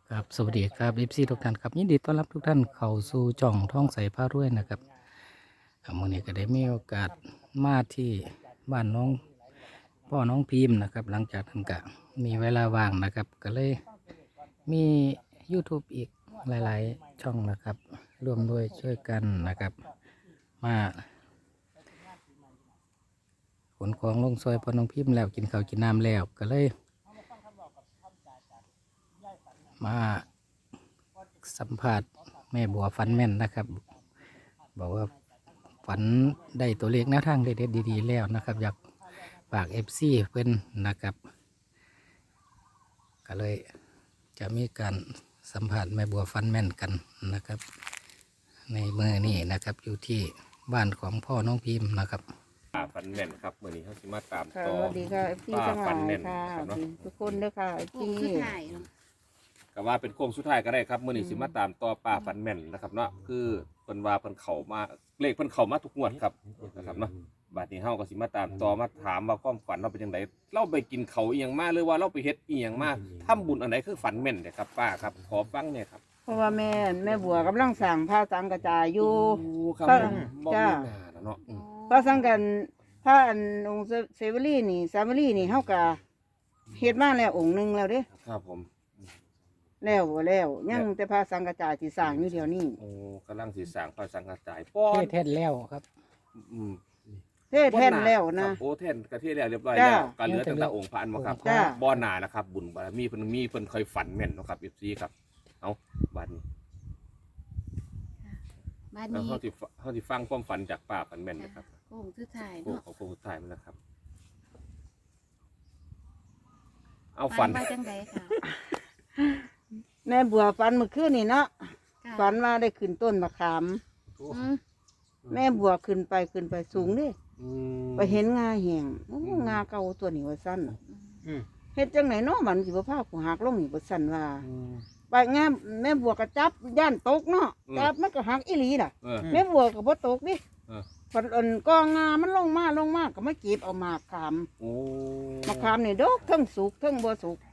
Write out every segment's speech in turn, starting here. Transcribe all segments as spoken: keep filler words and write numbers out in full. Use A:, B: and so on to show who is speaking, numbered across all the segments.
A: ครับสวัสดีครับเอฟซีทุกท่านครับยินดีต้อนรับทุกท่านเข้าสู่จ่องท่องใสผ้ารวยนะครับอ่ามื่อนี้ก็ได้มีโอกาสมาที่บ้านน้องพ่อน้องพิมพ์นะครับ หลังจากนั้นก็มีเวลาว่างนะครับ ก็เลยมี YouTube อีกหลายๆช่องนะครับร่วมด้วยช่วยกันนะครับ มาขนของลงซอยพ่อน้องพิมพ์แล้วกินข้าวกินน้ำแล้วก็เลย มาสัมผัสแม่บัวฝันแม่นนะครับ บอกว่าฝันได้ตัวเลขแนวทางเด็ดๆดีๆแล้วนะครับ อยากฝากเอฟซีเพื่อนนะครับ ก็เลยจะมีการสัมผัสแม่บัวฝันแม่นกันนะครับ ในเมื่อนี้นะครับอยู่ที่บ้านของพ่อน้องพิมพ์นะครับ
B: ป้าฟันแม่นครับมื่อนี้เขาสิมาตาม
C: ค่ะ
B: ต่อ
C: สวัสดีค่ะเอฟซี
B: ป้า
C: ทั้งห
B: ฟั
C: ลาน ย
B: แม่น
C: ค่ะ
B: ครับเนาะ
C: ทุกคนด้วยค่ะเอฟ
D: โค้
C: ซี
D: งสุดท้ายเนาะ
B: ก็ว่าเป็นโค้งสุดท้ายก็ได้ครับมื่อนี้สิมาตามต่อป้าฟันแม่นนะครับเนาะคือเพิ่นว่าเพิ่นเข้ามาเลขเพิ่นเข้ามาทุกงวดครับนะครับเนาะบัดนี้เฮาก็สิมาตามต่อมาถามว่าความฝันเราเป็นจังไดเราไปกินเขาวอีหยังมาหรือว่าเราไปเฮ็ดอีหยังมาทำบุญอันไหนคือฝันแม่นเนี่ยครับป้าครับขอฟังเนี่ยครับ
C: เพราะว่าแม่แม่บัวกำลังสั่งผ้าสังกระจายอยู่
B: โอ้ครับ
C: ป้า
B: ผมบ่
C: จ้า
B: มีหน้าแล้วเนาะอืม
C: ผ้าสังกันผ้าอันองค์เซเวอรี่นี่ซาเวอรี่นี่เฮากะเฮ็ดมาแล้วองค์หนึงแล้วเด้
B: ครับผม
C: แล้วบ่แล้วยังแต่ผ้าสังกระจายที่สร้างอยู่เดี๋ยวนี้
B: โอ้กำลังสิสร้างพระสังฆทานป้อ
A: เท
B: น
A: ศเทศแล้วครับ
B: อืม
C: เทศแท่นแล้วนะ
B: ครับโอ้แท่นกระเทศแล้วเรียบร้อย
C: จ้า
B: แล้วการเหลือตั้งแต่องค์พระอันมาครับ
C: จ้า
B: บ่อหนานะครับ บุญบารมีเพิ่นมีเพิ่นเคยฝันแม่นเนาะครับ เอฟ ซี ครับเอาบัดนี้
D: บ้าน
B: แล้ว
D: นี้
B: เฮาสิฟเฮาสิฟังความฝันจากป้าฝันแม่นนะครับ
D: โค้งสุดท้าย
B: โอ้
D: เนาะ
B: ของคนสุดท้ายมันนะครับ เอาฝัน
D: ว่าจังไดค่ะ
C: แม่บัวฝันเมื่อคืนนี่เนาะ
D: ค่ะ
C: ฝันว่าได้ขึ้นต้นมะขาม
D: อืม
C: แม่บัวขึ้นไปขึ้นไปสูงเดิ
B: อืม
C: ไปเห็นงาแหงโอ้งาเก่าตัวนี้ว่าสั้น
B: อืม
C: เฮ็ดจังไหนเนาะมันสิบ่พากูหักลงนี่บ่สั่นว่า
B: อืม
C: ไปงามแม่บัวก็จับย่านตกเนาะ
B: อืม
C: จับมันก็หักอีหลีน่ะ
B: เออ
C: แม่บัวก็บ่ตกดิ
B: เออ
C: ฝันอันกองงามันลงมาลงมาก็มาเก็บเอาหมากขาม
B: โอ้
C: มะขามนี่ดอกทั้งสุกทั้งบ่สุก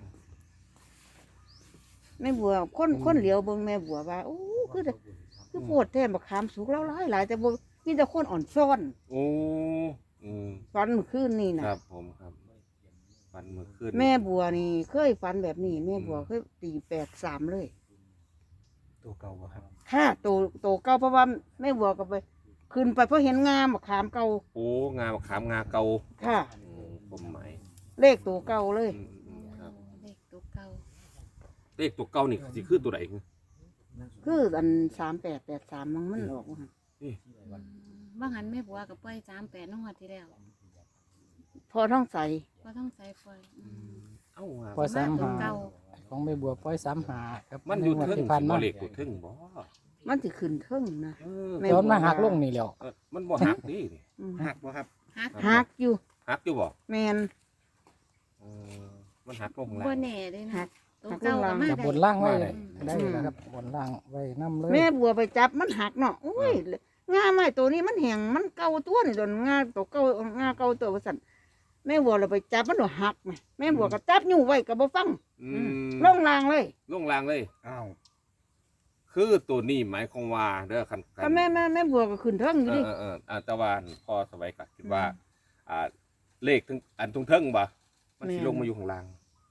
C: แม่บัวคนคนเหลียวเบิ่งแม่บัวว่าโอ้คือแต่คือโพดแท้มะขามสุกแล้วหลายหลายแต่บ่มีแต่คนอ่อนซ่อน
B: โอ้อืม
C: ฝันเมื่อคืนนี่น่ะ
B: ครับผมครับฝันเมื่อคืน
C: แม่บัวนี่เคยฝันแบบนี้แม่บัวเคยตีแปดสามเลย
A: ตัวเก่าครับ
C: ค่ะโตโตเก่าเพราะว่าแม่บัวก็ไปขึ้นไปเพราะเห็นงามมะขามเก่า
B: โอ้งามะขามงาเก่า
C: ค่ะ
B: อืมผมหมาย
C: เลขตัวเก่าเลย
B: อืมอืมครับ
D: เลขตัวเก่า
B: เลขตัวเก่านี่สิคือตัวไหน
C: คืออันสามแปดแปดสามมันมันออกมา
D: อืมว่าหันแม่บัวกับปล่อยสามแปดน้องวัดที่แล้ว
C: พอท้องใส
D: ก็ต้องใส่ปล่อยอืม
B: เอ้าว่า
A: ปล่อยสาม
D: ตัว
A: หา
D: เก่า
A: ของแม่บัวปล่อยสามหาครับ
B: มันอยู่
A: ใงวด
B: เทึ่ง
A: ที่ผ่าน
B: บ่
A: มา
B: เลขอยู่เทึ่งบ่
C: มันจะขึ้นเทิงนะ
B: เออ
C: แม่
A: โดนมาหักลงนี่แล้ว
B: เออมันบ่หักดิ
C: อืม
E: หักบ่ครับ
D: ฮัก
C: หักอยู่
B: หักอยู่บ่
C: แมน
B: เออมันหักลงข้าง
D: บ่
B: ล่าง
D: แน่เลย
C: หั
D: นะ
C: ก
D: ตัวเก่า
C: หั
D: กับ
C: ก
D: มา
A: กับ
D: ได้
A: บนล่างไว้
B: มาได้
A: ได้แล้วครับบนล่างไว้น้ำเลย
C: แม่บัวไปจับมันหักเนาะโอ้ยงาไม้ตัวนี้มันแห้งมันเก่าตัวนี่โดนงาตัวเก่างาเก่าตัวว่าสั่นแม่บัวเราไปจับมันโดนหักไหมแม่บัวก็จับอยู่ไว้ก็บ่ฟัง
B: อืม
C: ลงรางเลย
B: ลงล่างเลย
E: อ้าว
B: คือตัวนี้หมายความว่าเด้อคันคัน
C: ก็แม่แม่แม่บัวก็ขึ้นเทิงอยู่
B: เอ
C: ดิ
B: อเออเอออ่าแต่ว่าพอสบายก็คิดว่า อ่า เลขถึงอันตรงเทิงบ่มันสิลงมาอยู่ข้างล่าง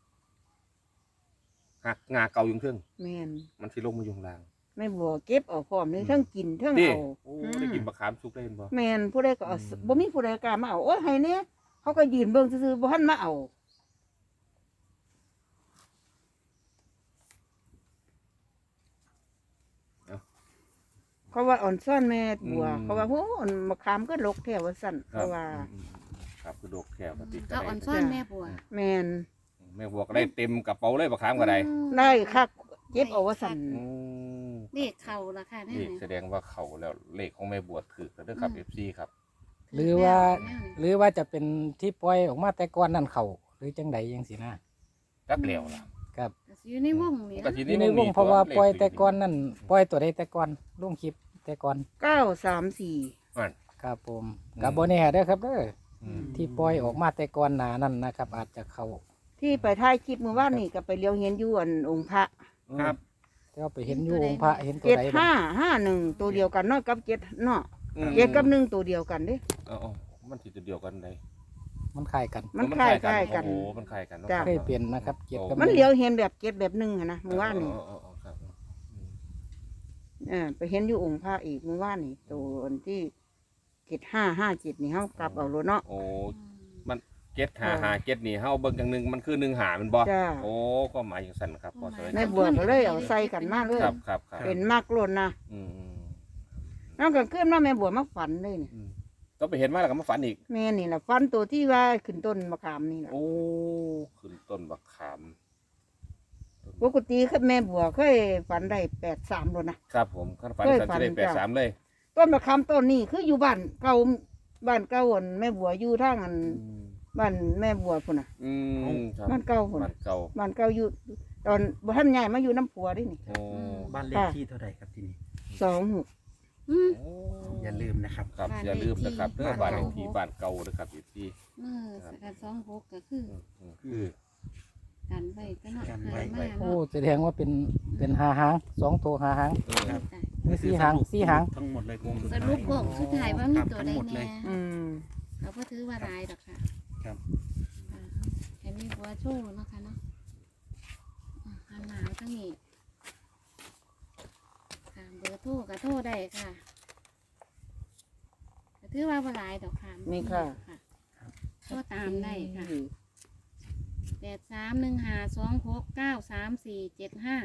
B: หักงาเก่าอยู่เทิง
C: แม่น
B: มันสิลงมาอยู่ข้างล่าง
C: แม่บัวเก็บเอาพร้อมเลยเทั้งกินเทั้ง
B: นี่
C: เอา
B: โอ้ได้กินมะขามสุกได้เห็นบ่
C: แม่นผู้ใดก็เอาบ่มีผู้ใดกล้ามาเอาโอ้ยให้เนี่ยเขาก็ยืนเบิ่งซื่อๆบ่ทันมาเอาเขาว่าอ่อนซ่อนแม่บัวเขาว่าโหอ่อนมะขามก็ลกแถวว่าสั่น
B: ครั
C: เขา
B: บ
C: ว่า
B: อืมอืมครับคือดอกแค่ปฏิ
D: ก็อ่อนซ่อนแม่บัว
C: แม่น
B: แม่บัวก็ได้เต็มกระเป๋าเลยมะขามก็ได้
D: อืม
C: ได้คักเก็บเอาว่าสั่น
B: อืม
D: เลขเข่าละค่ะแน่
B: นี่แสดงว่าเขาแล้วเลขของแม่บัวถือแล้วเด้อครับ เอฟ ซี ครับ
A: หรือว่า หรือว่าจะเป็นที่ปล่อยออกมาแต่ก่อนนั่นเขาหรือจังใดยังสินะ
B: จักแล้วล่ะ
A: ครับ
D: อยู่ในวงนี่
B: ก็
D: นะ
B: ที
A: อ
B: นี้
A: ยู่ใน
B: มัน
A: ว
B: มี
A: งเพราะว่าปล่อย
B: เลข
A: แต่ก่อนนั่นปล่อยตัวใดแต่ก่อนลงคลิปแต่ก่อน
C: เก้าสามสี่
B: นั่น
A: ครับผม
B: อืม
A: กับโบแน่เด้อครับเด้อ
B: อืม
A: ที่ปล่อยออกมาแต่ก่อนหนานั่นนะครับ อาจจะเขา
C: ที่ไปถ่ายคลิปเมื่อวานนี่ก็ไปเลี้ยวเห็นอยู่อันองค์พระ
E: ครับ
A: แต่ว่าไปเห็นอยู่องค์พระเห็นตัว
C: เจ็ด
A: ใดบ้าง
C: ห้าห้าหนึ่งตัวเดียวกันเนาะกับเจ็ดเนาะ
B: อืม
C: เจ็ดกับหนึ่งตัวเดียวกันเด้
B: เอาเอามันสิตัวเดียวกันได้
A: มันคล้ายกัน
C: มันคล้ายคล้ายกัน
B: โอ้โหมันคล้ายกันเนาะ
C: จ้ะ
A: เคยเปลี่ยนนะครับเจ็ดกับ
C: มัน
A: หง
C: เหลียวเห็นแบบเจ็ดแบบหนึ่งอะนะเมื่อวานนี่
B: อ๋ออ๋ออ๋อครับอืม
C: เออไปเห็นอยู่องค์พระอีกเมื่อวานนี่ตัวอันที่เจ็ดห้าห้าเจ็ดนี่เฮากลับเอาโลเนาะ
B: โอ้มันเก็ตหาหาเก็ตนี่เฮาเบิ่งจังหนึงมันคือหนึ่งหามันบ่
C: จ้า
B: โอ้ก็หมายอย่างสั่นครับพอสวย
C: แม่บัวก็เลยเอาใส่กันมาเลย
B: ครับครับครับ
C: เป็นมากโลนนะ
B: อืมอืม
C: น้องก็ขึ้นมาแม่บัวมาฝันเลยนี่
B: อืมก็ไปเห็นมาแล้วก็มาฝันอีก
C: แม่นี่แหละฝันตัวที่ว่าขึ้นต้นมะขามนี่แหละ
B: โอ้ขึ้นต้นบักขาม
C: ปกติคือแม่บัวเคยฝันได้แปดสามโลนะครับ
B: ผมขั้นฝัน
C: เคย
B: สัน
C: ฝัน
B: จะได้แปด
C: จ้ะ
B: สามเลย
C: ต้นมะขามต้นนี้คืออยู่บ้านเก่าบ้านเก่าอันแม่บัวอยู่ทางอัน
B: อืม
C: บ้านแม่บัวพุ่นน่ะ
B: อืมครับ
C: บ้านเก่าพุ่น
B: บ้า
C: น่ะ
B: นเก่า
C: บ้านเก่าอยู่ตอนบ่ทันใหญ่มาอยู่น้ำผัวดินี่
B: โอ้
E: บ้านเลขที่เท่าไหร่ครับที่นี่
C: สองหก
D: อืม
B: โอ้
E: อย่าลืมนะครับ
B: ครับ
D: บ้าน
B: อย่าลืมนะครับ
D: เล
B: เด้
D: ขที่
B: อบ้านเลขที่บ้านเก่านะครับอีกที่
D: เมื่อสกัดสองหกก็คือ
B: อืมอืมคือ
D: กันไว้ก็เนาะ
E: กัน
D: หา
E: ไว้
D: มา
A: โอ้
D: เนาะ
A: แสดงว่าเป็นเป็นหาหางสองตัวหาหาง
B: เออ
E: ครับ
D: จ้ะ
A: มีสี่หางสี่หาง
E: ทั้งหมดเลยโกงสุด
D: ส
E: ท้าย
D: รุปโค้งสุดท้ายว่ามี
E: ครับ
D: ตัว
E: ทั้ง
D: ใด
E: หมดเล
D: แน่
E: ย
C: อืม
D: เราก็ถือว่าหลายดอกค่ะ
E: ครับ
D: อ่าให้มีบัวโชว์เนาะค่ะเนาะอ่าหันหนาวทั้งนี้ค่ะเบอร์โทรก็โทรได้ค่ะก็ถือว่าบ่หลายดอกค่ะ
C: มีค่ะ
D: โทรตามได้ค่ะแปดสามหนึ่งห้าสองหกเก้าสามสี่เจ็ดห้า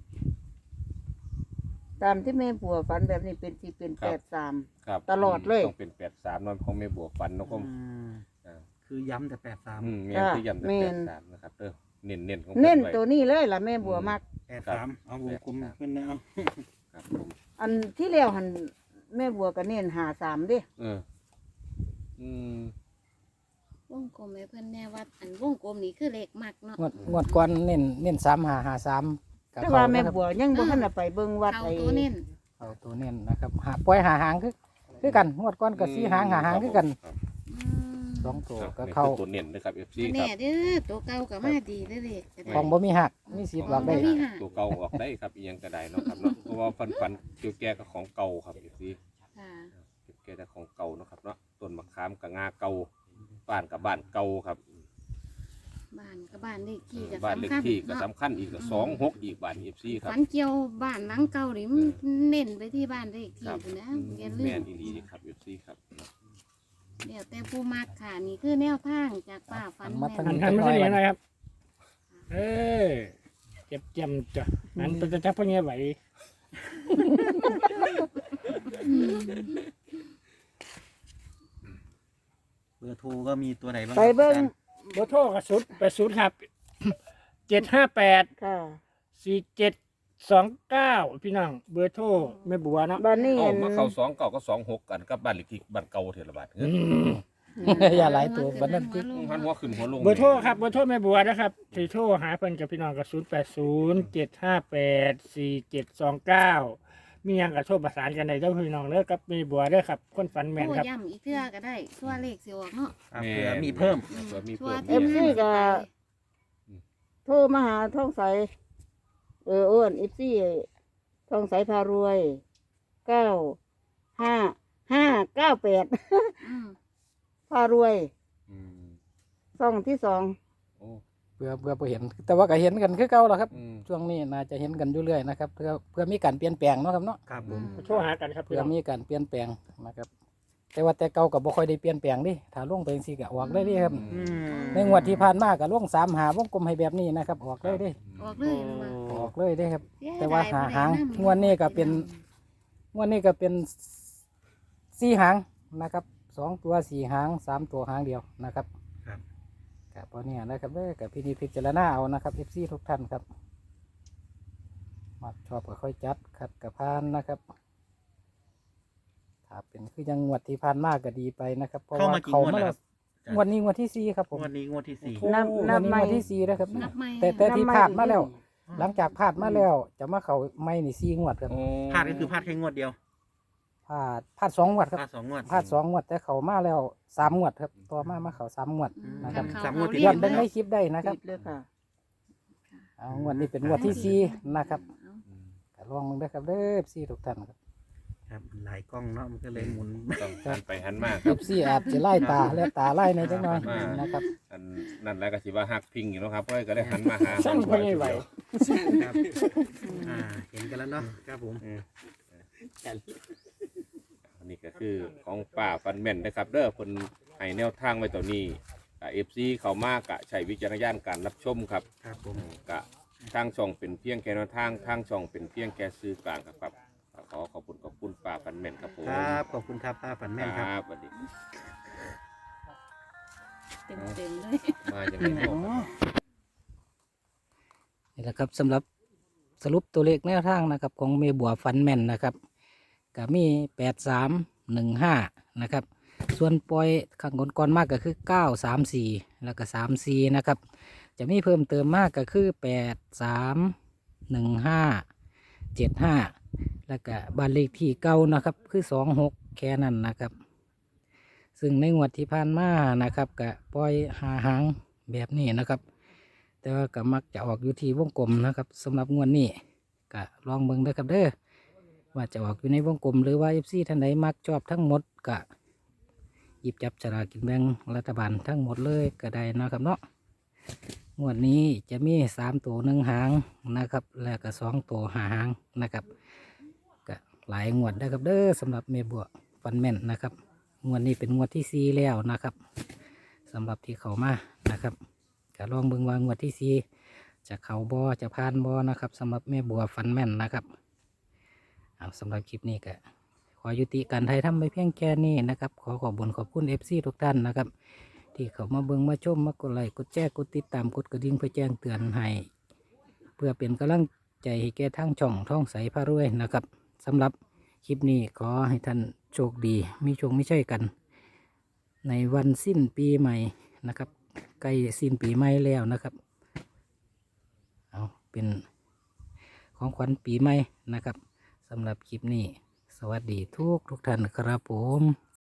C: ตามที่แม่บัวฝันแบบนี้เป็นที่เป็นแปดสาม
B: ครับ
C: ตลอดเลย
B: ต้องเป็นแปดสามนอนของแม่บัวฟันเนาะก็
E: อืม
B: อ่า
E: คือย้ำแต่แปดสาม
B: อืมแม่
C: จ้ะ
B: ที่ย้ำแต่
C: แม่
B: แป
C: น
B: ดสามนะครับเด้อเน้นเน้นๆของ
C: เน้น
B: พิ่ไ
C: ตัวนี้เลยล่ะแม่บัวมาก
E: แปดสามเอาวงกลมขึ้นนะเอา
B: ครับผม
C: อันที่แล้วหันแม่บัวก็เน้นหาสามเด้
B: เอออืม
D: วงกลมให้เพื่อนแน่ว่าอันวงกลมนี่คือเลขมักเนาะ
A: งวดงวดก่อนเน้นเน้นสามหาหาสามกับ
C: แต่
A: เขา
C: ว่าแม่
A: นะครับ
C: บัวยังบ่ทันได้ไปเบิ่งวัด
D: เขา
C: ไอ้
D: ตัวเน้น
A: เอาตัวเน้นนะครับหาปล่อยหาหางคือคือกันงวดก่อนกับสี่หางหาหางคือกัน
B: ครับ
D: อืม
A: สองตัว
B: ครับ
A: ก็
B: นี่
A: เข้า
B: คือตัวเน้นนะครับ เอฟ ซี
D: ตัว
B: ค
D: แน่
B: รับ
D: เด้อตัวเก่ากับมาดีเด้อเลขก็ได้
A: ของบ่มีหักมีสิทธิ์หลอกได้
D: บ่มีหัก
B: ตัวเก่าออกได้ครับอีหยังก็ได้เนาะครับเนาะเพราะว่าฟันฟันเกี่ยวแก่กับของเก่าครับ เอฟ ซี
D: ค่ะ
B: เกี่ยวแก่กับของเก่าเนาะครับเนาะต้นมะขามกับงาเก่าบ้านกับบ้านเก่าครับ
D: บ้านกับบ้านเลขที่ก็
B: บ้านเล
D: สำ
B: ข
D: คัญ
B: ที่ก็
D: เนาะ
B: สำคัญอีกก็สองหกอีกบ้าน เอฟ ซี ครับ
D: ฝันเกี่ยวบ้านหลังเก่านี่มันเน้นไปที่บ้านเลขที่
B: ครับ
D: พุ่นนะ
B: อืม
D: อย่าลื
B: แม่
D: ม
B: นอีหลีครับ เอฟ ซี ครับ
D: เดี๋ยวแต่ผู้มักค่ะนี่คือแนวทางจากป้าฝัน
A: มา
D: แม่
A: ทาง
D: น
A: นี้
F: หันมาที่นี่หน่อยครับ เออเจ็บเจียมจ้ะหันไปจะจับพวกนี้ไหว
E: เบอร์โทรก็มีตัวไหนบ้าง
C: ไปเบิ่ง
E: ครับ
F: โบโทรกับสุดแปดศูนย์ครับเจ็ดห้าแปด
C: ค่ะ
F: สี่เจ็ดสองเก้าพี่น้องเบอร์โทรแม่บัวเนาะ
C: บ้านนี้
B: เอา
C: เห็น
B: มาเข้าสองเก่าก็สองหกกันกับบ้านเลขที่บ้านเก่าเทระบาทเอ
F: อื
B: อ
F: ม
A: อย่าหลายตัวบัดนั้นที่
B: หันหัวขึ้นหัวลง
F: เบอร์โทรครับเบอร์โทรแม่บัวนะครับที่โทรหาเพิ่นกับพี่น้องกับศูนย์แปดศูนย์เจ็ดห้าแปดสี่เจ็ดสองเก้ามีหยังกับโทรประสานกันได้เด้อพี่น้องเด้อกับแม่บัวเด้อครับคนฝันแม่น
D: โอ้
F: ครับ
D: ย่ำอีกเทื่อก็ได้ชั่วเลขสิออกเนาะ
E: ครับเผื่อมีเพิ่ม
D: อืม
B: เผื่อมี
D: ชั่ว
B: เพิ่ม
C: เอฟซีก็โทรมาหาท่องใสเอออ้วนเอฟซีท่องใสพารวยเก้าห้าห้าเก้าแปด
D: อืม
C: พารวย
B: อืม
C: ซ่องที่สอง
B: โอ้
A: เพื่อเพื่อบ่เห็น แต่ว่าก็เห็นกันคือเก่าแล้วครับ
B: อืม
A: ช่วงนี้น่าจะเห็นกันอยู่เรื่อยนะครับเพื่อเพื่อมีการเปลี่ยนแปลงเนาะครับเนาะ
E: ครับผม
F: โทรหากันครับพี่
A: เพื่อ
F: น้อง
A: มีการเปลี่ยนแปลงนะครับ แต่ว่าแต่เก่าก็บ่ค่อยได้เปลี่ยนแปลงดิถ้าลงไปจังซี่ก็ออกได้เดิครับ
E: อืม
A: ในงวดที่ผ่านมาก็ลงสามหาวงกลมให้แบบนี้นะครับ ออกเลยเด้
D: ออกเลยมา
A: ออกเลยเด้ครับ
D: เสีย
A: แต่ว่า
D: ดย
A: หา
D: บ่ได้
A: หาง
D: นำ
A: งวดนี้ก็เป็น งวดนี้ก็เป็นสี่หางนะครับสองตัวสี่หางสามตัวหางเดียวนะครับ
E: ครับ
A: กับพอเนี่ยนะครับเด้อกับพี่นิจพิจารณาเอานะครับเอฟซีทุกท่านครับมาชอบก็ค่อยจัดขัดกับพานนะครับถ้าเป็นคือยังงวดที่ผ่านมากก็ดีไปนะครับเพราะ
E: เข้า
A: ว่า
E: มากี่
A: เขา
E: งวด
A: มา
E: แล้ว
A: แล้
E: คว รับ
A: งวดนี้งวดที่สี่ครับผม
E: งวดนี้งวดที่สี่
C: นับ
A: ง
C: นั
A: ว
C: บ
A: ดนี้
C: ไม่
A: งวดที่สี่นะครับ
D: นับไม่
A: แต่แต่ที่ผ่านมาแล้ว
C: นับ
A: หลังจากผ่านมาแล้ว จะมาเขาไม่นี่สี่งวดครับ
B: โอ้
E: พลาดก็คือพลาดแค่งวดเดียว
A: ผ่าดผ่าดสองงวดครับ
E: พลาดสองงวด
A: ผ่าดสองงวดแต่เขามาแล้วสามงวดครับต่อมามาเขาสามงวด
D: อืม
A: นะครับ
D: กั
E: สามงวดติด
A: ย้อนเบิ่งในคลิปได้นะครับ
C: ติดเลยค่ะ
A: เอางวดนี้เป็นงวดที่สี่นะครับก็ลองมึงได้อครับเด้อสี่ทุกท่านครับ
E: ครับหลายกล้องเนาะมันก็เลยหมุน
B: ต้องหันไปหันมาค
A: เอ
B: รับ
A: ฟซีอาจจะไล่ตาและตาไล่ในจังหน่อย
B: อ่าน
A: นะครับ
B: อันนั่นแหละก็สิว่าฮักพิงอยู่เนาะครับก็เลยก็ได้หันมาหา
F: ช่างก็ไม่ไหว
E: ครับอ่าเห็นกันแล้วเนาะครับผม
B: อืมอันนี้ก็คือของป่าฟันแม่นนะครับเด้อคนให้แนวทางไว้ตัวนี้กับเอฟซีเขามากกะใช้วิจารณญาณการรับชมครับ
E: ครับผม
B: กะทางช่องเป็นเพียงแค่แนวทางทางช่องเป็นเพียงแค่ซื้อกลางครับครับขอขอบคุณขอบคุณป่าฟันแม่นครับผม
E: ครับขอบคุณครับป้าฝันแม่นครับ
B: ครับสวัสดี
D: เต็มเต็มๆเลย
B: มาอย่างไรบอกครับ
A: นี่แหละครับสำหรับสรุปตัวเลขแนวทางนะครับของเมบัวฟันแมนนะครับก็มีแปดสามหนึ่งห้านะครับส่วนปล่อยข้างก่อนๆมากก็คือเก้าสามสี่แล้วก็สามสี่นะครับจะมีเพิ่มเติมมากก็คือแปดสามหนึ่งห้าเจ็ดห้าแล้วก็บ้านเลขที่เก้านะครับคือสองหกแค่นั้นนะครับซึ่งในงวดที่ผ่านมานะครับก็ปล่อยหาหางแบบนี้นะครับ แต่ว่าก็มักจะออกอยู่ที่วงกลมนะครับสำหรับงวดนี้ก็ลองเบิ่งเด้อครับเด้อว่าจะออกอยู่ในวงกลมหรือว่าเอฟซีท่านใดมักชอบทั้งหมดก็หยิบจับฉลากกินแบ่งรัฐบาลทั้งหมดเลยก็ได้นะครับเนาะงวดนี้จะมีสามตัวหนึ่งหางนะครับแล้วก็สองตัวหาหางนะครับก็หลายงวดได้อครับเด้อสำหรับเมบัวฟันแม่นนะครับงวดนี้เป็นงวดที่สี่แล้วนะครับสำหรับที่เขามานะครับ ก็ลองเบิ่งว่างวดที่สี่จะเขาบอจะผ่านบอนะครับสำหรับแม่บัวฟันแม่นนะครับเอาสำหรับคลิปนี้ก็ขอยุติการไทยทำไปเพียงแค่นี้นะครับขอขอบคุญขอบคุณเอฟซีทุกท่านนะครับที่เขามาเบิ่งมาชมมากดไลค์กดแชร์กดติดตามกดกระดิ่งเพื่อแจ้งเตือนให้เพื่อเป็นกำลังใจให้แก่ทั้งช่องท่องใสพระรวยนะครับสำหรับคลิปนี้ขอให้ท่านโชคดีมีโชคไม่ใช่กัน ในวันสิ้นปีใหม่นะครับใกล้สิ้นปีใหม่แล้วนะครับเอาเป็นของขวัญปีใหม่นะครับสำหรับคลิปนี้สวัสดีทุกทุกท่านครับผม